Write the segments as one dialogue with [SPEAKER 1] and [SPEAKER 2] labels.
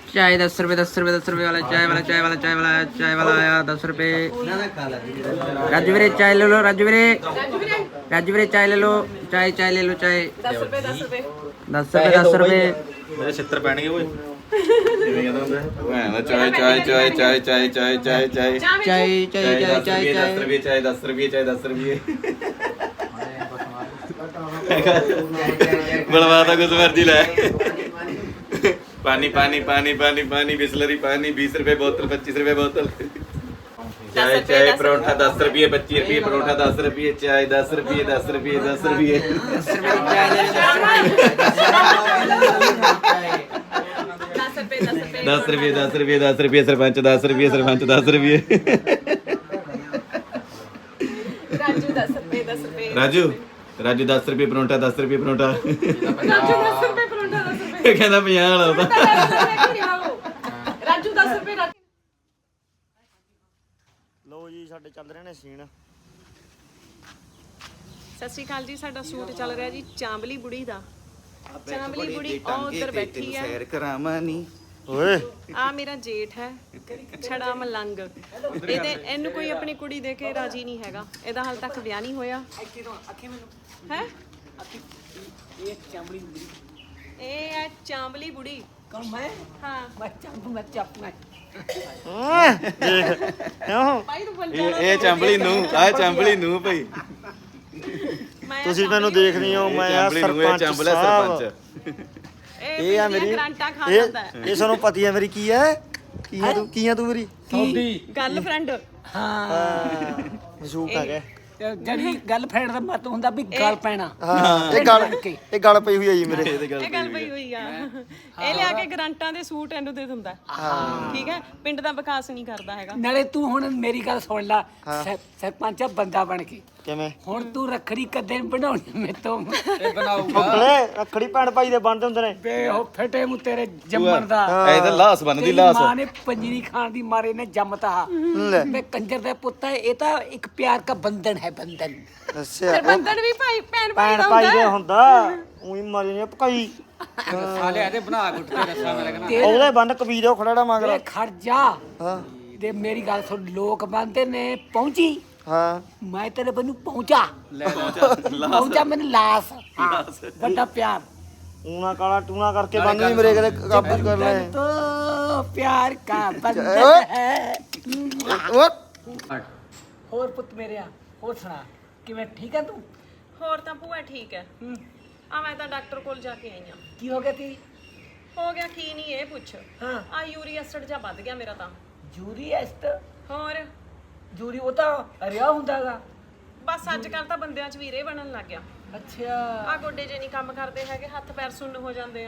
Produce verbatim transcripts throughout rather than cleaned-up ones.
[SPEAKER 1] चाय दस रुपये दस रुपये दस रुपये वाला चाय वाला चाय वाला चाय वाला चाय वाला आया दस रुपये। राजू वीरे चाय ले लो, राजू वीरे राजू वीरे चाय ले लो, चाय चाय ले लो, चाय दस रुपये दस रुपये दस रुपये दस रुपये
[SPEAKER 2] मेरे छित्र पैणगे ओए चाय चाय चाय चाय चाय चाय चाय चाय
[SPEAKER 1] चाय चाय चाय चाय
[SPEAKER 2] दस रुपये चाय दस रुपये चाय दस रुपये बड़वाता कुछ मर्जी ला पानी पानी पानी पानी पानी बिस्लरी पानी बीस रुपए बोतल पच्चीस रुपए बोतल चाय चाय परोठा दस रुपये पच्चीस रुपये परोठा दस रुपये चाय दस रुपये दस रुपये दस रुपये दस रुपये दस रुपये दस रुपये सरपंच दस रुपये सरपंच दस रुपये
[SPEAKER 3] राजू दस रुपये दस रुपये
[SPEAKER 2] राजू राजू दस रुपये परोठा दस रुपये परोठा
[SPEAKER 3] राजू दस रुपये परोठा दस रुपये
[SPEAKER 2] कहना ਪੰਜਾਹ ਵਾਲਾ ਉਹਦਾ
[SPEAKER 3] ਰਾਜੂ ਦਸ ਰੁਪਏ ਰੱਖ।
[SPEAKER 4] ਲੋ ਜੀ ਸਾਡੇ ਚੱਲ ਰਹੇ ਨੇ ਸੀਨ।
[SPEAKER 3] ਸਤਿ ਸ਼੍ਰੀ ਅਕਾਲ ਜੀ। ਸਾਡਾ ਸ਼ੂਟ ਚੱਲ ਰਿਹਾ ਜੀ ਚਾਂਬਲੀ ਬੁੜੀ ਦਾ। ਚਾਂਬਲੀ ਬੁੜੀ ਉਹ ਉੱਧਰ ਬੈਠੀ ਆ।
[SPEAKER 2] ਸੈਰ ਕਰਾਵਾਂ ਨੀ
[SPEAKER 4] ਓਏ
[SPEAKER 3] ਆ ਮੇਰਾ ਜੇਠ ਹੈ ਛੜਾ ਮਲੰਗ। ਇਹਦੇ ਇਹਨੂੰ ਕੋਈ ਆਪਣੀ ਕੁੜੀ ਦੇ ਕੇ ਰਾਜੀ ਨਹੀਂ ਹੈਗਾ। ਇਹਦਾ ਹਾਲ ਤੱਕ ਵਿਆਹ ਨਹੀਂ ਹੋਇਆ ਹੈ। ਇਹ ਹੈ ਚਾਂਬਲੀ ਬੁੜੀ।
[SPEAKER 5] कौन मैं
[SPEAKER 3] ਹਾਂ
[SPEAKER 5] मैं चंप मैं चप मैं
[SPEAKER 4] ਦੇਖ ਕਿਉਂ
[SPEAKER 3] ਭਾਈ ਤੂੰ ਬੋਲ
[SPEAKER 2] ਇਹ ਇਹ ਚੰਬਲੀ ਨੂੰ ਆ ਚੰਬਲੀ ਨੂੰ ਭਾਈ
[SPEAKER 3] ਮੈਂ
[SPEAKER 4] ਤੁਸੀਂ ਮੈਨੂੰ ਦੇਖਦੇ ਹੋ ਮੈਂ ਆ
[SPEAKER 2] ਚੰਬਲੀ ਨੂੰ ਇਹ
[SPEAKER 4] ਸਰਪੰਚ
[SPEAKER 2] ਚੰਬਲਾ
[SPEAKER 4] ਸਾਹਿਬ
[SPEAKER 2] ਸਰਪੰਚ
[SPEAKER 4] ਇਹ ਆ ਮੇਰੀ
[SPEAKER 3] ਗਰਾਂਟਾਂ ਖਾ
[SPEAKER 4] ਇਹ
[SPEAKER 3] ਜਾਂਦਾ ਹੈ।
[SPEAKER 4] ਇਹ ਤੁਹਾਨੂੰ ਪਤੀ ਹੈ ਮੇਰੀ ਕੀ ਹੈ ਕੀ ਹੈ ਤੂੰ ਕੀ ਹੈ ਤੂੰ ਮੇਰੀ
[SPEAKER 3] ਗਰਲਫ੍ਰੈਂਡ
[SPEAKER 5] हाँ
[SPEAKER 4] ਮਸ਼ੂਕ ਆ ਗਿਆ
[SPEAKER 5] जड़ी गर्लफ्रेंड का मत हुंदा भी गल पैना
[SPEAKER 4] ਹਾਂ ਇਹ ਗੱਲ ਇਹ ਗੱਲ ਪਈ ਹੋਈ ਹੈ ਜੀ ਮੇਰੇ
[SPEAKER 3] ਇਹ ਗੱਲ ਪਈ ਹੋਈ ਆ। ਇਹ ਲਿਆ ਕੇ ਗਰਾਂਟਾਂ ਦੇ ਸੂਟ ਇਹਨੂੰ ਦੇ ਦਿੰਦਾ। ਠੀਕ ਹੈ ਪਿੰਡ ਦਾ ਵਿਕਾਸ ਨਹੀਂ ਕਰਦਾ ਹੈਗਾ।
[SPEAKER 5] नाले तू हुण मेरी गल सुन ला सरपंच बंदा बन के
[SPEAKER 4] ਕਿਵੇਂ
[SPEAKER 5] हुण तू रखड़ी कदे बनाउणी मैं तो
[SPEAKER 4] ਫੁੱਕਲੇ ਰੱਖੜੀ ਭੈਣ ਭਾਈ ਦੇ ਬਣਦੇ ਹੁੰਦੇ ਨੇ
[SPEAKER 5] बे हो फटे मु तेरे जम्मन दा
[SPEAKER 2] ਇਹ ਤਾਂ ਲਾਸ ਬੰਨਦੀ
[SPEAKER 5] तेरी
[SPEAKER 2] ਲਾਸ
[SPEAKER 5] मां ने पंजरी खान दी मारे ने जमता
[SPEAKER 4] ਲੈ
[SPEAKER 5] मैं कंजर दा पुੱਤ है ये तो एक प्यार का बंधन है बंधन
[SPEAKER 4] ਅੱਛਾ
[SPEAKER 3] ਫਿਰ ਬੰਦਨ ਵੀ ਭਾਈ ਭੈਣ ਭਾਈ
[SPEAKER 4] ਭੈਣ
[SPEAKER 3] ਦਾ
[SPEAKER 4] ਭਾਈ ਦੇ
[SPEAKER 3] ਹੁੰਦਾ।
[SPEAKER 4] ਹੁੰਦਾ ਉਹੀ ਮਰੀ ਨੇ ਪਕਾਈ
[SPEAKER 5] साले आते बना के उठते रस्सा मेरे कना
[SPEAKER 4] ਉਹਦੇ ਬੰਨ ਕਬੀਰ ਉਹ ਖੜਾੜਾ ਮੰਗ
[SPEAKER 5] ए खड़ जा
[SPEAKER 4] ਹਾਂ
[SPEAKER 5] दे मेरी गल सुन लोक बंदे ने पहुंची
[SPEAKER 4] ਹਾਂ
[SPEAKER 5] मैं तेरे बनु पहुंचा पहुंचा मैंने लाश हाँ, बड़ा प्यार
[SPEAKER 4] ਊਣਾ ਕਾਲਾ ਟੂਣਾ ਕਰਕੇ ਬੰਨ ਵੀ ਮੇਰੇ ਕਦੇ ਕਾਬੂ ਕਰ ਲੈ
[SPEAKER 5] तो प्यार का बंधन है और पुत मेरे और सुना कि मैं ठीक है तू
[SPEAKER 3] ਹੋਰ ਤਾਂ ਭੂਆ ਠੀਕ ਹੈ। ਆ ਮੈਂ ਤਾਂ ਡਾਕਟਰ ਕੋਲ ਜਾ ਕੇ ਆਈ ਆ।
[SPEAKER 5] की हो गया थी
[SPEAKER 3] ਹੋ ਗਿਆ ਕੀ ਨਹੀਂ ਇਹ ਪੁੱਛ।
[SPEAKER 5] हाँ
[SPEAKER 3] ਆ ਯੂਰੀਆ ਐਸਿਡ ਜਾਂ ਵੱਧ ਗਿਆ ਮੇਰਾ ਤਾਂ।
[SPEAKER 5] जूरी एस्ट
[SPEAKER 3] ਹੋਰ
[SPEAKER 5] जूरी वो तो रिया हुंदागा
[SPEAKER 3] ਬਸ ਅੱਜ ਕੱਲ ਤਾਂ ਬੰਦਿਆਂ 'ਚ ਵੀਰੇ ਬਣਨ ਲੱਗ ਗਿਆ।
[SPEAKER 5] अच्छा
[SPEAKER 3] ਆ ਗੋਡੇ ਜੇ ਨਹੀਂ ਕੰਮ ਕਰਦੇ ਹੈਗੇ ਹੱਥ ਪੈਰ ਸੁੰਨ ਹੋ ਜਾਂਦੇ ਆ।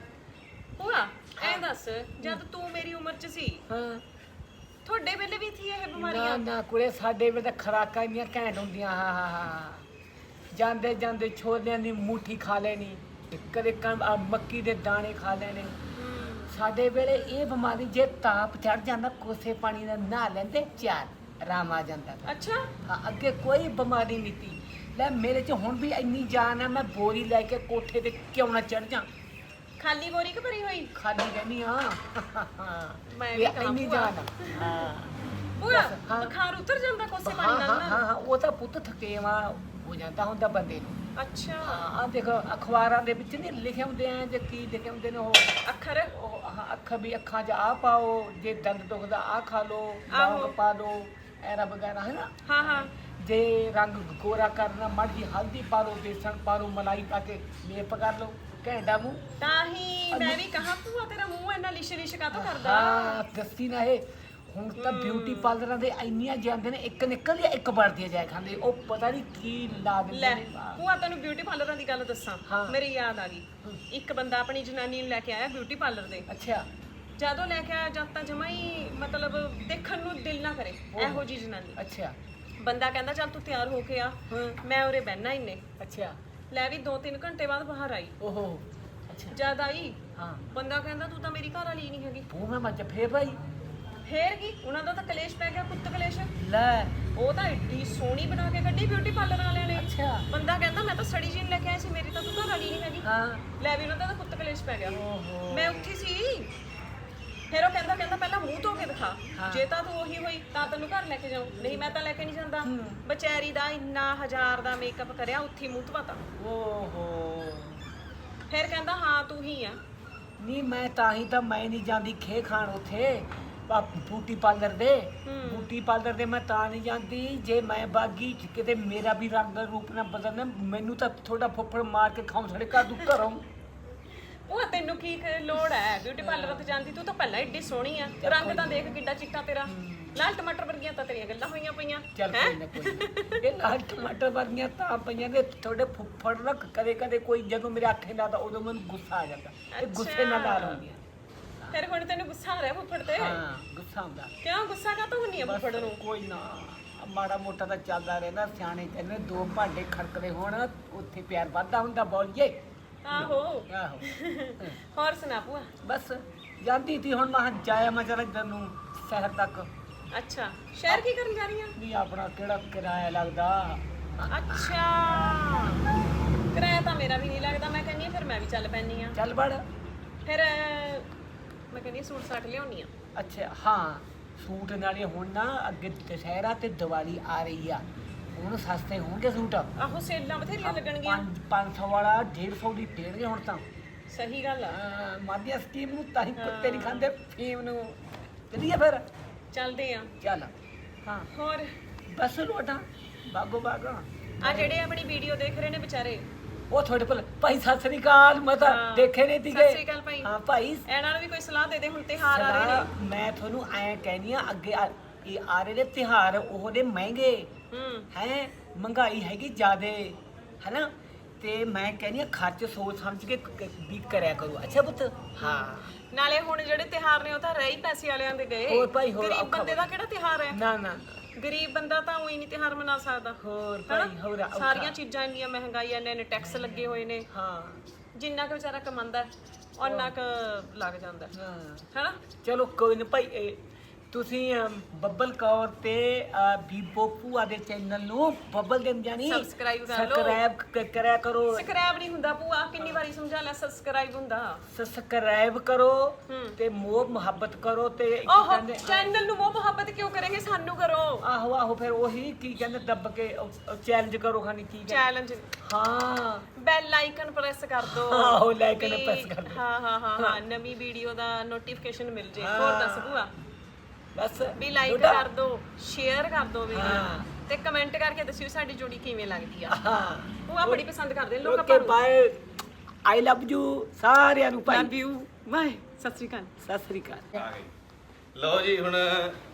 [SPEAKER 3] ਭੂਆ ਐ ਦੱਸ ਜਦ ਤੂੰ ਮੇਰੀ ਉਮਰ 'ਚ ਸੀ
[SPEAKER 5] हाँ
[SPEAKER 3] ਤੁਹਾਡੇ ਵੇਲੇ ਵੀ ਸੀ ਇਹ
[SPEAKER 5] ना
[SPEAKER 3] ਬਿਮਾਰੀਆਂ?
[SPEAKER 5] ना कुड़े साडे वे तो खराका इंनियां घैंट हुंदियां हाँ हाँ हाँ ਜਾਂਦੇ ਜਾਂਦੇ ਛੋਲਿਆਂ ਦੀ ਮੂਠੀ ਖਾ ਲੈਣੀ ਕਦੇ ਕਣ ਆਹ ਮੱਕੀ ਦੇ ਦਾਣੇ ਖਾ ਲੈਣੇ। ਸਾਡੇ ਵੇਲੇ ਇਹ ਬਿਮਾਰੀ ਜੇ ਤਾਪ ਚੜ ਜਾਂਦਾ ਕੋਸੇ ਪਾਣੀ ਨਾਲ ਨਹਾ ਲੈਂਦੇ ਚਾਰ ਆਰਾਮ ਆ ਜਾਂਦਾ ਤਾ।
[SPEAKER 3] ਅੱਛਾ
[SPEAKER 5] ਹਾਂ ਅੱਗੇ ਕੋਈ ਬਿਮਾਰੀ ਨਹੀਂ ਤੀ ਲੈ ਮੇਰੇ 'ਚ ਹੁਣ ਵੀ ਇੰਨੀ ਜਾਨ ਆ ਮੈਂ ਬੋਰੀ ਲੈ ਕੇ ਕੋਠੇ ਤੇ ਕਿਉਂ ਨਾ ਚੜ ਜਾ
[SPEAKER 3] ਖਾਲੀ ਬੋਰੀ ਕਿ ਭਰੀ ਹੋਈ?
[SPEAKER 5] ਖਾਲੀ ਰਹਿਣੀ ਹਾਂ
[SPEAKER 3] ਮੈਂ
[SPEAKER 5] ਇਹ
[SPEAKER 3] ਵੀ ਕਹਾਂ
[SPEAKER 5] ਇੰਨੀ
[SPEAKER 3] ਭੂਆ।
[SPEAKER 5] ਜਾਨ ਆ ਹਾਂ
[SPEAKER 3] ਭੂਆ
[SPEAKER 5] ਹਾਂ।
[SPEAKER 3] ਬੁਖਾਰ ਉਤਰ ਜਾਂਦਾ ਕੋਸੇ
[SPEAKER 5] ਹਾਂ
[SPEAKER 3] ਪਾਣੀ
[SPEAKER 5] ਹਾਂ
[SPEAKER 3] ਨਾਲ
[SPEAKER 5] ਹਾਂ
[SPEAKER 3] ਨਾ?
[SPEAKER 5] ਹਾਂ, ਉਹ ਤਾਂ ਪੁੱਤ ਥਕੇਵਾ ਹੋ ਜਾਂਦਾ ਹੁੰਦਾ ਬੰਦੇ ਨੂੰ।
[SPEAKER 3] ਅੱਛਾ
[SPEAKER 5] ਆ ਦੇਖੋ ਅਖਬਾਰਾਂ ਦੇ ਵਿੱਚ ਨਹੀਂ ਲਿਖੇ ਹੁੰਦੇ ਆ ਜੇ ਕੀ ਲਿਖੇ ਹੁੰਦੇ ਨੇ ਉਹ
[SPEAKER 3] ਅੱਖਰ
[SPEAKER 5] ਉਹ ਹਾਂ ਅੱਖ ਵੀ ਅੱਖਾਂ 'ਚ ਆ ਪਾਓ ਜੇ ਦੰਦ ਦੁਖਦਾ ਆ ਖਾ ਲਓ
[SPEAKER 3] ਆਹੋ।
[SPEAKER 5] ਲੌਂਗ ਪਾ ਲਓ ਐਰਾ ਵਗੈਰਾ ਹੈ ਨਾ
[SPEAKER 3] ਹਾਂ ਹਾਂ
[SPEAKER 5] ਜੇ ਰੰਗ ਗੋਰਾ ਕਰਨਾ ਮੜ ਜੀ ਹਲਦੀ ਪਾ ਲਓ ਬੇਸਣ ਪਾ ਲਓ ਮਲਾਈ ਪਾ ਕੇ ਮੇਪ ਕਰ ਲਓ ਘੈਂਟਾ ਮੂੰਹ
[SPEAKER 3] ਤਾਂ ਹੀ ਮੈਂ ਵੀ ਕਹਾਂ ਭੂਆ ਤੇਰਾ ਮੂੰਹ ਇੰਨਾ ਲਿਸ਼ ਲਿਸ਼ ਕਾਹਤੋਂ ਕਰਦਾ?
[SPEAKER 5] ਹਾਂ ਦੱਸੀ ਨਾ ਇਹ ਹੁਣ ਤਾਂ ਬਿਊਟੀ ਪਾਰਲਰਾਂ ਦੇ ਇੰਨੀਆਂ ਜਾਂਦੇ ਨੇ ਇੱਕ ਨਿਕਲਦੀ ਆ ਇੱਕ ਵੜਦੀ ਆ ਜਾਏ ਖਾਂਦੇ ਉਹ ਪਤਾ ਨਹੀਂ ਕੀ ਲਾ
[SPEAKER 3] ਲੈ
[SPEAKER 5] ਦਿੰਦੇ ਨੇ
[SPEAKER 3] ਭੂਆ ਤੈਨੂੰ ਬਿਊਟੀ ਪਾਰਲਰਾਂ ਦੀ ਗੱਲ ਦੱਸਾਂ
[SPEAKER 5] ਹਾਂ।
[SPEAKER 3] ਮੇਰੀ ਯਾਦ ਆ ਗਈ। ਇੱਕ ਬੰਦਾ ਆਪਣੀ ਜਨਾਨੀ ਨੂੰ ਲੈ ਕੇ ਆਇਆ ਬਿਊਟੀ ਪਾਰਲਰ ਦੇ।
[SPEAKER 5] ਅੱਛਾ
[SPEAKER 3] ਜਦੋਂ ਲੈ ਕੇ ਆਇਆ ਜਦ ਤਾਂ ਜਮਾ ਹੀ ਮਤਲਬ ਦੇਖਣ ਨੂੰ ਦਿਲ ਨਾ ਕਰੇ ਇਹੋ ਜੀ ਜਨਾਨੀ।
[SPEAKER 5] ਅੱਛਾ
[SPEAKER 3] ਬੰਦਾ ਕਹਿੰਦਾ ਚੱਲ ਤੂੰ ਤਿਆਰ ਹੋ ਕੇ ਆ ਮੈਂ ਉਰੇ ਬਹਿਣਾ ਇੰਨੇ।
[SPEAKER 5] ਅੱਛਾ
[SPEAKER 3] ਲੈ ਵੀ ਦੋ ਤਿੰਨ ਘੰਟੇ ਬਾਅਦ ਬਾਹਰ ਆਈ।
[SPEAKER 5] ਓਹੋ ਅੱਛਾ
[SPEAKER 3] ਜਦ ਆਈ
[SPEAKER 5] ਹਾਂ
[SPEAKER 3] ਬੰਦਾ ਕਹਿੰਦਾ ਤੂੰ ਤਾਂ ਮੇਰੀ ਘਰ ਵਾਲੀ ਨਹੀਂ ਹੈਗੀ।
[SPEAKER 5] ਉਹ ਮੈਂ ਮੱਝ ਫੇਰ ਭਾਈ
[SPEAKER 3] ਫੇਰ ਕੀ ਉਹਨਾਂ ਦਾ ਤਾਂ ਕਲੇਸ਼ ਪੈ ਗਿਆ ਕੁੱਤ ਕਲੇਸ਼।
[SPEAKER 5] ਲੈ
[SPEAKER 3] ਉਹ ਤਾਂ ਏਡੀ ਸੋਹਣੀ ਬਣਾ ਕੇ ਕੱਢੀ ਬਿਊਟੀ ਪਾਰਲਰ ਵਾਲਿਆਂ ਨੇ।
[SPEAKER 5] ਅੱਛਾ
[SPEAKER 3] ਬੰਦਾ ਕਹਿੰਦਾ ਮੈਂ ਤਾਂ ਸੜੀ ਜੀਨ ਲੈ ਕੇ ਆਈ ਸੀ ਮੇਰੀ ਤਾਂ ਤੂੰ ਘਰ ਵਾਲੀ ਨਹੀਂ ਹੈਗੀ।
[SPEAKER 5] ਹਾਂ
[SPEAKER 3] ਲੈ ਵੀ ਉਹਨਾਂ ਦਾ ਤਾਂ ਕੁੱਤ ਕਲੇਸ਼ ਪੈ ਗਿਆ।
[SPEAKER 5] ਓਹੋ
[SPEAKER 3] ਮੈਂ ਉੱਠੀ ਸੀ ਮੂੰਹ ਧੋ ਕੇ ਦਿਖਾ। ਜੇ ਤਾਂ ਤੂੰ ਉਹੀ ਹੋਈ ਤਾਂ ਤੈਨੂੰ ਘਰ ਲੈ ਕੇ ਜਾਉਂ, ਨਹੀਂ ਮੈਂ ਤਾਂ ਲੈ ਕੇ ਨਹੀਂ ਜਾਂਦਾ। ਵਿਚਾਰੀ ਦਾ ਇੰਨਾ ਹਜ਼ਾਰ ਦਾ ਮੇਕਅਪ ਕਰਿਆ, ਉੱਥੇ ਮੂੰਹ ਧਵਾਤਾ।
[SPEAKER 5] ਓਹੋ
[SPEAKER 3] ਫਿਰ ਕਹਿੰਦਾ ਹਾਂ ਤੂੰ ਹੀ ਆ।
[SPEAKER 5] ਨਹੀਂ ਮੈਂ ਤਾਂ ਹੀ ਤਾਂ ਮੈਂ ਨਹੀਂ ਜਾਂਦੀ ਖੇ ਖਾਣ ਉੱਥੇ ਬੂਟੀ ਪਾਰਲਰ ਦੇ। ਬੂਟੀ ਪਾਰਲਰ ਦੇ ਮੈਂ ਤਾਂ ਨਹੀਂ ਜਾਂਦੀ, ਜੇ ਮੈਂ ਬਾਗੀ ਕਿਤੇ ਮੇਰਾ ਵੀ ਰੰਗ ਰੂਪ ਨਾ ਬਦਲਣਾ, ਮੈਨੂੰ ਤਾਂ ਥੋੜਾ ਫੁੱਫੜ ਮਾਰ ਕੇ ਖਾਉਂ ਸਾਡੇ ਘਰ ਤੂੰ ਘਰੋਂ।
[SPEAKER 3] ਉਹ ਤੈਨੂੰ ਕੀ ਕ- ਲੋੜ ਹੈ ਬਿਊਟੀ ਪਾਰਲਰ ਤੇ ਜਾਂਦੀ? ਤੂੰ ਤਾਂ ਪਹਿਲਾਂ ਏਡੀ ਸੋਹਣੀ ਆ, ਰੰਗ ਤਾਂ ਦੇਖ ਕਿੱਡਾ ਚਿੱਟਾ ਤੇਰਾ। ਲਾਲ ਟਮਾਟਰ ਵਰਗੀਆਂ ਤਾਂ ਤੇਰੀਆਂ ਗੱਲਾਂ ਹੋਈਆਂ ਪਈਆਂ।
[SPEAKER 5] ਚੱਲ ਕੋਈ ਨਾ ਕੋਈ ਨਾ। ਇਹ ਲਾਲ ਟਮਾਟਰ ਵਰਗੀਆਂ ਤਾਂ ਪਈਆਂ ਨੇ ਥੋੜੇ ਫੁੱਫੜ ਨਾ ਕਦੇ ਕਦੇ ਕੋਈ ਜਦੋਂ ਮੇਰੇ ਅੱਖੇ ਨਾਲ ਤਾਂ ਉਦੋਂ ਮੈਨੂੰ ਗੁੱਸਾ ਆ ਜਾਂਦਾ। ਇਹ ਗੁੱਸੇ ਨਾਲ ਲਾਲ ਹੁੰਦੀਆਂ।
[SPEAKER 3] ਫਿਰ ਹੁਣ ਤੈਨੂੰ ਗੁੱਸਾ ਆ ਰਿਹਾ ਫੁੱਫੜ ਤੇ?
[SPEAKER 5] ਹਾਂ ਗੁੱਸਾ ਹੁੰਦਾ।
[SPEAKER 3] ਕਿਉਂ ਗੁੱਸਾ ਕਾਹਤੋਂ ਹੁੰਨੀ ਆ ਫੁੱਫੜ ਨੂੰ?
[SPEAKER 5] ਕੋਈ ਨਾ ਮਾੜਾ ਮੋਟਾ ਤਾਂ ਚੱਲਦਾ ਰਹਿੰਦਾ। ਸਿਆਣੇ ਕਹਿੰਦੇ ਦੋ ਭਾਂਡੇ ਖੜਕਦੇ ਹੋਣ ਉੱਥੇ ਪਿਆਰ ਵੱਧਦਾ ਹੁੰਦਾ। ਬੋਲੀਏ
[SPEAKER 3] ਆਹੋ।
[SPEAKER 5] ਆਹੋ
[SPEAKER 3] ਹੋਰ ਸੁਣਾ ਭੂਆ?
[SPEAKER 5] ਬਸ ਜਾਂਦੀ ਤੀ ਹੁਣ ਮੈਂ ਜਾਇਆ ਮੈਂ ਜਰਾ ਇੱਧਰ ਨੂੰ ਸ਼ਹਿਰ ਤੱਕ।
[SPEAKER 3] ਅੱਛਾ ਸ਼ਹਿਰ ਕੀ ਕਰਨ ਜਾ ਰਹੀ ਆ?
[SPEAKER 5] ਨਹੀਂ ਆਪਣਾ ਕਿਹੜਾ ਕਿਰਾਇਆ ਲੱਗਦਾ।
[SPEAKER 3] ਅੱਛਾ ਕਿਰਾਇਆ ਤਾਂ ਮੇਰਾ ਵੀ ਨਹੀਂ ਲੱਗਦਾ। ਮੈਂ ਕਹਿੰਦੀ ਫਿਰ ਮੈਂ ਵੀ ਚੱਲ ਪੈਣੀ ਆ।
[SPEAKER 5] ਚੱਲ ਵੜ।
[SPEAKER 3] ਫਿਰ ਮੈਂ ਕਹਿੰਦੀ ਸੂਟ ਸਾਟ ਲਿਆਉਣੀ ਆ।
[SPEAKER 5] ਅੱਛਾ ਹਾਂ ਸੂਟ ਨਾਲੇ ਹੁਣ ਨਾ ਅੱਗੇ ਦੁਸਹਿਰਾ ਤੇ ਦੀਵਾਲੀ ਆ ਰਹੀ ਆ, ਹੁਣ ਸਸਤੇ ਹੋਣਗੇ ਸੂਟ।
[SPEAKER 3] ਆਹੋ ਸੇਲਾਂ ਬਥੇਰੀਆਂ ਲੱਗਣਗੀਆਂ।
[SPEAKER 5] ਪੰਜ ਪੰਜ ਸੌ ਵਾਲਾ ਡੇਢ ਸੌ ਦੀ ਦੇਣਗੇ ਹੁਣ ਤਾਂ।
[SPEAKER 3] ਸਹੀ ਗੱਲ ਆ।
[SPEAKER 5] ਮਾਧਿਆ ਸਕੀਮ ਨੂੰ ਤਾਂ ਹੀ ਕੁੱਤੇ ਨਹੀਂ ਖਾਂਦੇ ਫੀਮ ਨੂੰ। ਚੱਲੀਏ ਫਿਰ
[SPEAKER 3] ਚੱਲਦੇ ਆ।
[SPEAKER 5] ਚੱਲ ਹਾਂ
[SPEAKER 3] ਹੋਰ
[SPEAKER 5] ਬਸ ਲੋਟਾ ਬਾਗੋ ਬਾਗਾ।
[SPEAKER 3] ਆ ਜਿਹੜੇ ਆਪਣੀ ਵੀਡੀਓ ਦੇਖ ਰਹੇ ਨੇ ਵਿਚਾਰੇ,
[SPEAKER 5] ਉਹ ਤੁਹਾਡੇ ਕੋਲ ਭਾਈ ਸਤਿ ਸ੍ਰੀ ਅਕਾਲ। ਮੈਂ ਤਾਂ
[SPEAKER 3] ਹਾਂ।
[SPEAKER 5] ਦੇਖੇ ਨਹੀਂ ਸੀਗੇ।
[SPEAKER 3] ਸਤਿ ਸ੍ਰੀ ਅਕਾਲ ਭਾਈ।
[SPEAKER 5] ਹਾਂ ਭਾਈ
[SPEAKER 3] ਇਹਨਾਂ ਨੂੰ ਵੀ ਕੋਈ ਸਲਾਹ ਦੇ ਦੇ, ਹੁਣ ਤਿਉਹਾਰ ਆ ਰਹੇ
[SPEAKER 5] ਸਲਾਹ
[SPEAKER 3] ਨੇ।
[SPEAKER 5] ਮੈਂ ਤੁਹਾਨੂੰ ਐਂ ਕਹਿਨੀ ਆ ਅੱਗੇ ਆ- ਇਹ ਆ ਰਹੇ ਨੇ ਤਿਉਹਾਰ, ਉਹਦੇ ਮਹਿੰਗੇ
[SPEAKER 3] ਹੂੰ
[SPEAKER 5] ਹੈ, ਮਹਿੰਗਾਈ ਹੈਗੀ ਜ਼ਿਆਦੇ ਹੈਨਾ, ਤੇ ਮੈਂ ਕਹਿੰਦੀ ਆ ਖਰਚ ਸੋਚ ਸਮਝ ਕੇ ਕ- ਵੀ ਕਰਿਆ ਕਰੋ। ਅੱਛਾ ਪੁੱਤ ਹਾਂ
[SPEAKER 3] ਨਾਲੇ ਹੁਣ ਜਿਹੜੇ ਤਿਉਹਾਰ ਨੇ ਉਹ ਤਾਂ ਰਹਿ ਹੀ ਪੈਸੇ ਵਾਲਿਆਂ ਦੇ ਗਏ।
[SPEAKER 5] ਹੋਰ ਭਾਈ, ਹੋਰ
[SPEAKER 3] ਗਰੀਬ
[SPEAKER 5] ਔਖਾ
[SPEAKER 3] ਬੰਦੇ ਦਾ ਕਿਹੜਾ ਤਿਉਹਾਰ ਹੈ?
[SPEAKER 5] ਨਾ ਨਾ
[SPEAKER 3] ਗਰੀਬ ਬੰਦਾ ਤਾਂ ਉਹੀ ਨਹੀਂ ਤਿਉਹਾਰ ਮਨਾ ਸਕਦਾ।
[SPEAKER 5] ਹੋਰ
[SPEAKER 3] ਹਨਾ?
[SPEAKER 5] ਭਾਈ ਹੋਰ ਔਖਾ।
[SPEAKER 3] ਸਾਰੀਆਂ ਚੀਜ਼ਾਂ ਇੰਨੀਆਂ ਮਹਿੰਗਾਈ, ਇੰਨੇ ਨੇ ਟੈਕਸ ਲੱਗੇ ਹੋਏ ਨੇ।
[SPEAKER 5] ਹਾਂ
[SPEAKER 3] ਜਿੰਨਾ ਕੁ ਵਿਚਾਰਾ ਕਮਾਉਂਦਾ ਉਹਨਾਂ ਕੁ ਲੱਗ ਜਾਂਦਾ
[SPEAKER 5] ਹਾਂ
[SPEAKER 3] ਹੈਨਾ।
[SPEAKER 5] ਚਲੋ ਕੋਈ ਨਾ ਭਾਈ ਇਹ ਤੁਸੀਂ ਅਮ, ਬੱਬਲ ਕੌਰ ਤੇ ਅ, ਬੀਬੋ ਭੂਆ ਦੇ ਚੈਨਲ ਨੂੰ ਬੱਬਲ ਦੇ ਜਾਨੀ
[SPEAKER 3] Subscribe ਕਰ ਲਓ।
[SPEAKER 5] ਸਬਸਕ੍ਰਾਈਬ ਕ- ਕਰਿਆ ਕਰੋ।
[SPEAKER 3] ਸਬਸਕ੍ਰਾਈਬ ਨਹੀਂ ਹੁੰਦਾ ਭੂਆ, ਕਿੰਨੀ ਵਾਰੀ ਸਮਝਾ ਲਿਆ, ਸਬਸਕ੍ਰਾਈਬ ਹੁੰਦਾ।
[SPEAKER 5] ਸਬਸਕ੍ਰਾਈਬ ਕਰੋ
[SPEAKER 3] ਹੂੰ।
[SPEAKER 5] ਤੇ ਮੋਹ ਮੁਹੱਬਤ ਕਰੋ ਤੇ ਕੀ
[SPEAKER 3] ਓਹ
[SPEAKER 5] ਕਹਿੰਦੇ
[SPEAKER 3] ਚੈਨਲ ਨੂੰ ਮੋਹ ਮੁਹੱਬਤ ਕਿਉਂ ਕਰੇਂਗੇ, ਸਾਨੂੰ ਕਰੋ।
[SPEAKER 5] ਆਹੋ ਆਹੋ ਫਿਰ ਉਹੀ ਕੀ ਕਹਿੰਦੇ ਦੱਬ ਕੇ ਚੈਲੰਜ ਕਰੋ ਖਾਨੀ ਕੀ ਕਹਿੰਦੇ
[SPEAKER 3] ਚੈਲੰਜ
[SPEAKER 5] ਹਾਂ
[SPEAKER 3] ਬੈਲ ਆਈਕਨ ਪ੍ਰੈਸ ਕਰ ਦੋ।
[SPEAKER 5] ਆਹੋ, like icon
[SPEAKER 3] ਵੀ-
[SPEAKER 5] press ਕਰ ਦਿਓ।
[SPEAKER 3] ਹਾਂ ਹਾਂ ਹਾਂ ਹਾਂ ਨਵੀਂ ਵੀਡੀਓ ਦਾ ਨੋਟੀਫਿਕੇਸ਼ਨ ਮਿਲ ਜੇ। ਹੋਰ ਦੱਸ ਭੂਆ?
[SPEAKER 5] ਬਸ
[SPEAKER 3] ਵੀ ਲਾਈਕ
[SPEAKER 5] ਲੋਟਾ।
[SPEAKER 3] ਕਰ ਦੋ, ਸ਼ੇਅਰ ਕਰ ਦੋ ਵੀਡੀਓ
[SPEAKER 5] ਹਾਂ।
[SPEAKER 3] ਤੇ ਕਮੈਂਟ ਕਰਕੇ ਦੱਸਿਓ ਸਾਡੀ ਜੋੜੀ ਕਿਵੇਂ ਲੱਗਦੀ ਆ।
[SPEAKER 5] ਹਾਂ
[SPEAKER 3] ਭੂਆ ਬੜੀ ਪਸੰਦ ਕਰਦੇ ਨੇ ਲੋਕ
[SPEAKER 5] ਓਕੇ
[SPEAKER 3] ਆਪਾਂ ਨੂੰ।
[SPEAKER 5] ਬਾਏ ਆਈ ਲਵ ਯੂ ਸਾਰਿਆਂ ਨੂੰ ਭਾਈ।
[SPEAKER 3] ਲਵ ਯੂ ਬਾਏ, ਸਤਿ ਸ੍ਰੀ ਅਕਾਲ।
[SPEAKER 5] ਸਤਿ ਸ੍ਰੀ ਅਕਾਲ।
[SPEAKER 2] ਆ ਗਏ। ਲਓ ਜੀ ਹੁਣ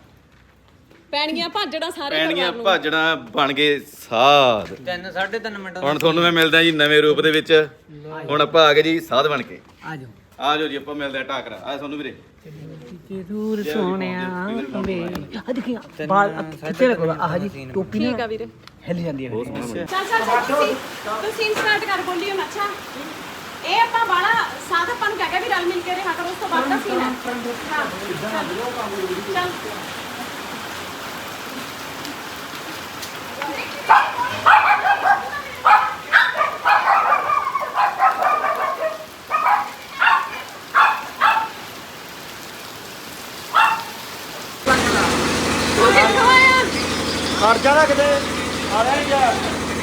[SPEAKER 3] ਪੈਣਗੀਆਂ ਭਾਜੜਾ ਸਾਰੇ
[SPEAKER 2] ਪੈਣਗੀਆਂ
[SPEAKER 3] ਪਰਿਵਾਰ ਨੂੰ।
[SPEAKER 2] ਭਾਜਣਾ ਬਣ ਗਏ ਸਾਧ।
[SPEAKER 1] ਤਿੰਨ ਸਾਢੇ ਤਿੰਨ ਮਿੰਟ
[SPEAKER 2] ਹੁਣ ਤੁਹਾਨੂੰ ਮੈਂ ਮਿਲਦਾ ਜੀ ਨਵੇਂ ਰੂਪ ਦੇ ਵਿੱਚ। ਹੁਣ ਆਪਾਂ ਆ ਗਏ ਜੀ ਸਾਧ ਬਣ ਕੇ।
[SPEAKER 5] ਆ ਜਾਓ
[SPEAKER 2] ਆ ਜਾਓ ਜੀ ਆਪਾਂ ਮਿਲਦੇ ਆ ਟਾਕਰਾ। ਆ ਤੁਹਾਨੂੰ ਵੀਰੇ
[SPEAKER 5] ਜ਼ਰੂਰ ਸੋਹਣਿਆ ਆ ਦੇਖੀਆਂ ਬਾਲ ਕਿੱਥੇ ਲੱਗੋ ਆਹ ਜੀ ਟੋਪੀ
[SPEAKER 3] ਠੀਕ
[SPEAKER 5] ਨਾ
[SPEAKER 3] ਆ ਵੀਰੇ।
[SPEAKER 5] ਹਿੱਲ ਜਾਂਦੀ ਹੈ ਮੇਰੀ।
[SPEAKER 3] ਚੱਲ ਚੱਲ ਚੱਲ ਤੁਸੀਂ ਤੁਸੀਂ ਸਟਾਰਟ ਕਰ ਬੋਲੀਓ ਨਾ। ਅੱਛਾ ਇਹ ਆਪਾਂ ਬਾਲਾ ਸਾਥ ਆਪਾਂ ਨੂੰ ਕਹਿ ਕੇ ਵੀ ਰਲ ਮਿਲ ਕੇ ਰਿਹਾ ਕਰੋ, ਉਸ ਤੋਂ ਬਾਅਦ ਦਾ ਸੀਨ ਹੈ। ਹਾਂ ਚੱਲ ਚੱਲ ਤੂੰ ਕਿੱਥੋਂ ਆਇਆ?
[SPEAKER 4] ਖਰਚਾ ਨਾ ਕਿਤੇ ਆ ਰਿਹਾ ਨਹੀਂ ਯਾਰ।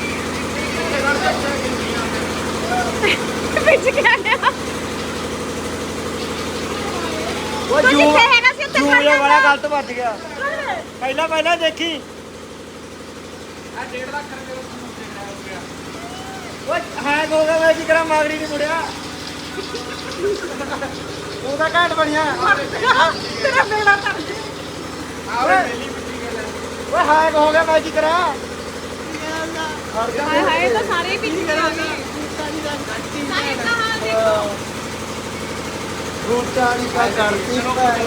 [SPEAKER 3] ਵਿੱਚ ਕਿਆ ਗਿਆ?
[SPEAKER 4] ਉਹ
[SPEAKER 3] ਤੂੰ
[SPEAKER 4] ਜੂ
[SPEAKER 3] ਜਿੱਥੇ ਹੈਗਾ ਸੀ ਉੱਥੇ
[SPEAKER 4] ਜੂ
[SPEAKER 3] ਖੜ
[SPEAKER 4] ਜਿਹਾ ਵਾਲਾ
[SPEAKER 3] ਜਾ।
[SPEAKER 4] ਗਲਤ ਵੱਜ ਗਿਆ। ਪਹਿਲਾਂ ਪਹਿਲਾਂ ਦੇਖੀ ਉਹ ਹੈਂਗ ਹੋ ਗਿਆ। ਮੈਂ ਕੀ ਕਰਾਂ, ਮਾਗੜੀ ਨਹੀਂ ਮੁੜਿਆ। ਉਹਦਾ ਘਾਟ ਬਣਿਆ।
[SPEAKER 3] ਤੇਰਾ ਬੇੜਾ ਕਰ ਦੇ।
[SPEAKER 4] ਓਏ ਹੈਂਗ ਹੋ ਗਿਆ। ਮੈਂ ਕੀ ਕਰਾਂ।
[SPEAKER 3] ਹਾਏ ਹਾਏ ਤਾਂ ਸਾਰੇ ਹੀ ਪਿੱਛੇ ਆ ਗਏ। ਸਾਰੇ ਦਾ ਹਾਲ ਦੇਖੋ।
[SPEAKER 4] ਰੋਟਾ ਨਹੀਂ ਕਾ ਕਰਤੀ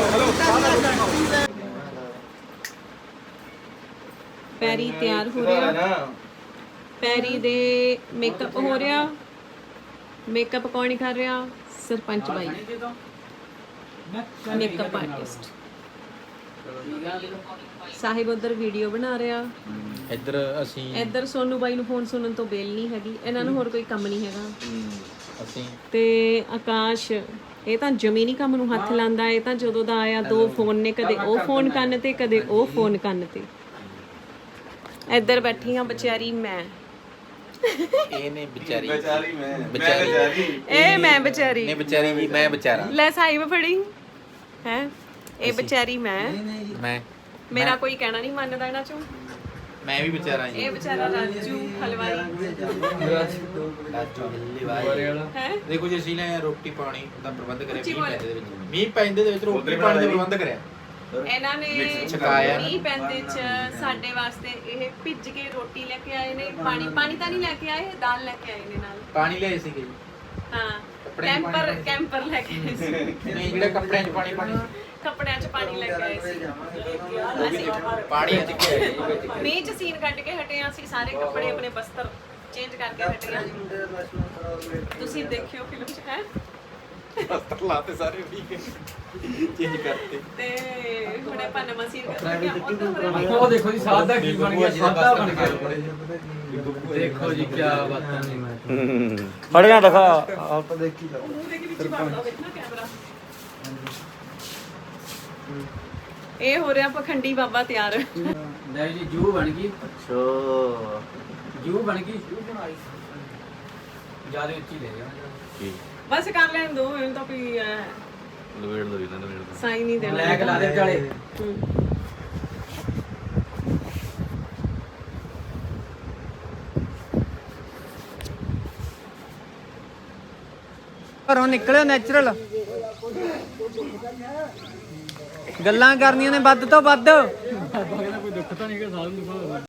[SPEAKER 3] ਪੈਰੀ ਤਿਆਰ ਹੋ ਰਿਹਾ, ਪੈਰੀ ਦੇ ਮੇਕਅਪ ਹੋ ਰਿਹਾ। ਮੇਕਅਪ ਕੌਣ ਕਰ ਰਿਹਾ? ਸਰਪੰਚ ਬਾਈ, ਮੇਕਅਪ ਆਰਟਿਸਟ। ਸਾਹਿਬ ਉਧਰ ਵੀਡੀਓ ਬਣਾ ਰਿਹਾ,
[SPEAKER 1] ਇੱਧਰ ਅਸੀਂ
[SPEAKER 3] ਇੱਧਰ ਸੋਨੂ ਬਾਈ ਨੂੰ ਫੋਨ ਸੁਣਨ ਤੋਂ ਬੇਲ ਨਹੀਂ ਹੈਗੀ। ਇਹਨਾਂ ਨੂੰ ਹੋਰ ਕੋਈ ਕੰਮ ਨਹੀਂ ਹੈਗਾ।
[SPEAKER 1] ਅਸੀਂ
[SPEAKER 3] ਤੇ ਆਕਾਸ਼ ਇਹ ਤਾਂ ਜਮੀ ਨਹੀਂ ਕੰਮ ਨੂੰ ਹੱਥ ਲਾਉਂਦਾ। ਇਹ ਤਾਂ ਜਦੋਂ ਦਾ ਆਇਆ ਦੋ ਫੋਨ ਨੇ, ਕਦੇ ਉਹ ਫੋਨ ਕੰਨ ਤੇ ਕਦੇ ਉਹ ਫੋਨ ਕੰਨ ਤੇ। ਇੱਧਰ ਬੈਠੀ ਆ ਵਿਚਾਰੀ ਮੈਂ,
[SPEAKER 2] ਇਹਨੇ ਵਿਚਾਰੀ ਵਿਚਾਰੀ ਮੈਂ ਵਿਚਾਰੀ
[SPEAKER 3] ਇਹ ਮੈਂ ਵਿਚਾਰੀ
[SPEAKER 2] ਨੇ ਵਿਚਾਰੀ ਜੀ ਮੈਂ ਵਿਚਾਰਾ
[SPEAKER 3] ਲੈ ਸਾਈ ਮੈਂ ਫੜੀ ਹੈ। ਇਹ ਵਿਚਾਰੀ ਮੈਂ,
[SPEAKER 2] ਮੈਂ
[SPEAKER 3] ਮੇਰਾ ਕੋਈ ਕਹਿਣਾ ਨਹੀਂ ਮੰਨਦਾ ਇਹਨਾਂ ਚੋਂ।
[SPEAKER 2] ਮੈਂ ਵੀ ਵਿਚਾਰਾ ਜੀ।
[SPEAKER 3] ਇਹ ਵਿਚਾਰਾ ਰਾਜੂ ਹਲਵਾਈ
[SPEAKER 2] ਰਾਜੂ ਹਲਵਾਈ
[SPEAKER 3] ਹੈ।
[SPEAKER 2] ਦੇਖੋ ਜੀ ਅਸੀਂ ਨੇ ਰੋਟੀ ਪਾਣੀ ਦਾ ਪ੍ਰਬੰਧ ਕਰਿਆ
[SPEAKER 3] ਉੱਚੀ
[SPEAKER 2] ਮੀਂਹ
[SPEAKER 3] ਬੋਲ।
[SPEAKER 2] ਪੈਂਦੇ ਦੇ ਵਿੱਚ ਮੀਂਹ ਪੈਂਦੇ ਦੇ ਵਿੱਚ ਰੋਟੀ ਪਾਣੀ ਦਾ ਪ੍ਰਬੰਧ ਕਰਿਆ।
[SPEAKER 3] ਇਹਨਾਂ ਨੇ
[SPEAKER 2] ਛਕਾਇਆ।
[SPEAKER 3] ਮੀਂਹ ਪੈਂਦੇ ਚ ਸਾਡੇ ਵਾਸਤੇ ਇਹ ਭਿੱਜ ਕੇ ਰੋਟੀ ਲੈ ਕੇ ਆਏ ਨੇ। ਪਾਣੀ ਪਾਣੀ ਤਾਂ ਨਹੀਂ ਲੈ ਕੇ ਆਏ, ਦਾਲ ਲੈ ਕੇ ਆਏ ਨੇ ਨਾਲ।
[SPEAKER 2] ਪਾਣੀ ਲਿਆਏ ਸੀਗੇ ਜੀ।
[SPEAKER 3] ਹਾਂ
[SPEAKER 2] ਕੱਪੜੇ ਚ ਪਾਣੀ
[SPEAKER 3] ਕੈਂਪਰ
[SPEAKER 2] ਲੈ ਕੇ
[SPEAKER 3] ਕੈਂਪਰ ਲੈ ਕੇ ਆਏ ਸੀ।
[SPEAKER 2] ਨਹੀਂ ਜਿਹੜੇ ਕੱਪੜਿਆਂ 'ਚ ਪਾਣੀ ਪਾਣੀ
[SPEAKER 3] ਕੱਪੜਿਆਂ 'ਚ ਪਾਣੀ ਲੈ ਕੇ ਆਏ ਸੀ ਅਸੀਂ।
[SPEAKER 2] ਪਾਣੀ ਚ ਗਿਆ
[SPEAKER 3] ਮੀਂਹ 'ਚ ਸੀਨ ਕੱਢ ਕੇ ਹਟੇ ਹਾਂ ਅਸੀਂ ਸਾਰੇ ਕੱਪੜੇ ਆਪਣੇ ਬਸਤਰ ਚੇਂਜ ਕਰਕੇ ਹਟੇ ਹਾਂ। ਤੁਸੀਂ ਦੇਖਿਓ ਫਿਲਮ 'ਚ ਹੈ
[SPEAKER 2] ਬਸਤਰ ਲਾਤੇ ਸਾਰੇ ਠੀਕ ਹੈ ਚੇਂਜ ਕਰਤੇ।
[SPEAKER 3] ਤੇ ਹੁਣ ਆਪਾਂ ਨਵਾਂ ਸੀਨ ਕਰਾਂਗੇ। ਉੱਧਰ ਹੋ ਰਿਹਾ
[SPEAKER 6] ਉਹ ਦੇਖੋ ਜੀ ਸਾਦਾ ਕੀ ਬਣ ਗਿਆ, ਸਾਦਾ ਬਣ ਗਿਆ। ਦੇਖੋ ਜੀ ਕੀ ਬਾਤਾਂ ਨੇ।
[SPEAKER 4] ਫੜੀਆਂ ਦਿਖਾ ਆਪ ਦੇਖੀ ਜਾ।
[SPEAKER 3] ਮੂੰਹ ਦੇ ਵਿੱਚ ਵੜਦਾ ਦੇਖਣਾ ਕੈਮਰਾ। ਇਹ ਹੋ ਰਿਹਾ ਪਖੰਡੀ ਬਾਬਾ ਤਿਆਰ।
[SPEAKER 6] ਲੈ ਜੀ ਜੂ ਬਣ ਗਈ,
[SPEAKER 2] ਅੱਛਾ
[SPEAKER 6] ਜੂ ਬਣ ਗਈ। ਜਿਆਦਾ ਉੱਚੀ ਲੈ ਜਾ।
[SPEAKER 2] ਠੀਕ
[SPEAKER 3] ਬਸ ਕਰ ਲੈਣ ਦੋ ਇਹਨੂੰ ਤਾਂ ਕੋਈ
[SPEAKER 2] ਲਵੇੜ ਲੋ ਇਹਨਾਂ ਨੂੰ
[SPEAKER 3] ਸਾਈ ਨਹੀਂ ਦੇਣਾ।
[SPEAKER 6] ਲੈ ਕੇ ਲਾ ਦੇ ਵਿਚਾਲੇ।
[SPEAKER 3] ਹੂੰ।
[SPEAKER 1] ਘਰੋਂ ਨਿਕਲਿਓ ਨੈਚੁਰਲ ਗੱਲਾਂ ਕਰਨੀਆਂ ਨੇ ਵੱਧ ਤੋਂ ਵੱਧ।